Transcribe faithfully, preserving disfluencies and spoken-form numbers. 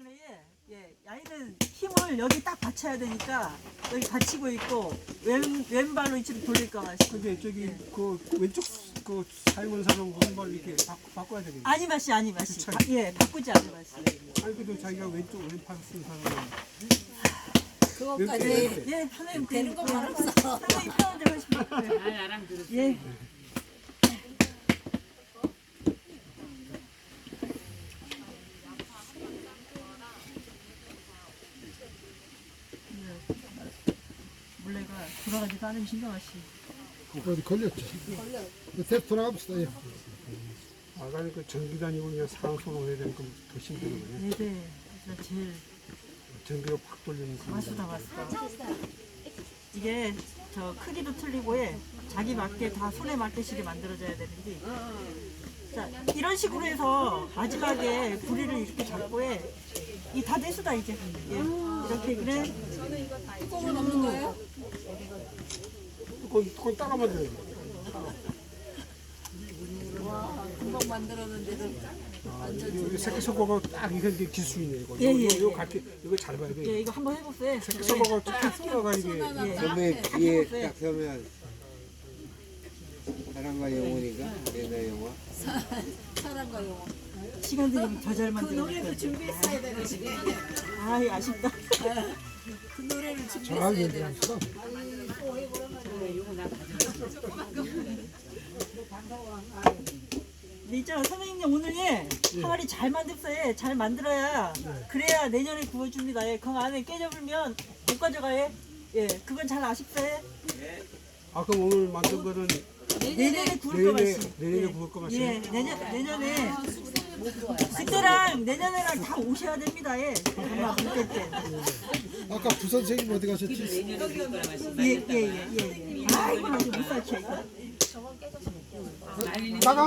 그래 예, 야이는 힘을 여기 딱 받쳐야 되니까 여기 받치고 있고 왼 왼발로 이치로 돌릴 거가 싶어. 근데 저기 그 왼쪽 그 사용하는 사람 왼발 이렇게 바, 바꿔야 되겠네. 아니 맛이 아니 맛이. 그쵸. 바, 예 바꾸지 않은 맛이. 아니 그래도 자기가 왼쪽 왼팔 쓰는 사람은 그것까지 왼쪽 예 선생님 되는 거 말 없어. 선생님 편한 대로 하시면 돼요. 아, 나랑 들었어. 예. 물레가 돌아가지도 않으면 신경하시. 어디 걸렸지? 대표 돌아갑시다. 예. 아가는 그 전기 다니고 그냥 상손을 해야 되니까 더 힘들거든요. 네네. 진짜 제일 전기가 팍 돌리는 그 마수다 마수다. 이게 저 크기도 틀리고 해. 자기 맞게 다 손에 맞게시게 만들어져야 되는데. 자 이런 식으로 해서 마지막에 부리를 이렇게 잡고 해. 이 다 됐수다 이제. 예. 이렇게 그래. 뚜껑은 없는 거예요? 그건, 그건 따라 만들어야 돼. 와, 금방 만들었는데도 완전 여기 새끼 섞어가 딱 이게 이제 기술이네 이거. 예, 예, 이거, 이거 예. 같이 이거 잘 봐야 돼. 예 이거 한번 해보세요. 새끼 섞어가 딱 끼어가 이게. 예. 선배 뒤에 딱 서면 사랑과 영혼인가? 옛날 영화? 사랑과 영혼. 시간 들이면 더 잘 그 만들어. 노래도 준비했어야 되는 지금. 아이 아쉽다. 그 노래를 잘 준비했어야 되는. 얘기합시다. 근데 있잖아 선생님 오늘 예 항아리 잘 만듭어요. 잘 만들어야 그래야 내년에 구워줍니다. 예. 그 안에 깨져불면 못 가져가요. 예 그건 잘 아십세요. 아 그럼 오늘 만든 거는 내년에 구울 거 내년에 맛이. 내년에 예. 구울 거 맛이. 예 내년 내년에 그때랑 내년에랑 다 오셔야 됩니다. 예. 엄마 그때 때. 아까 부선 선생님 어디 가셨지? 예예예 예. 예, 예. 아이고 아주 못 살게 이거. 나가.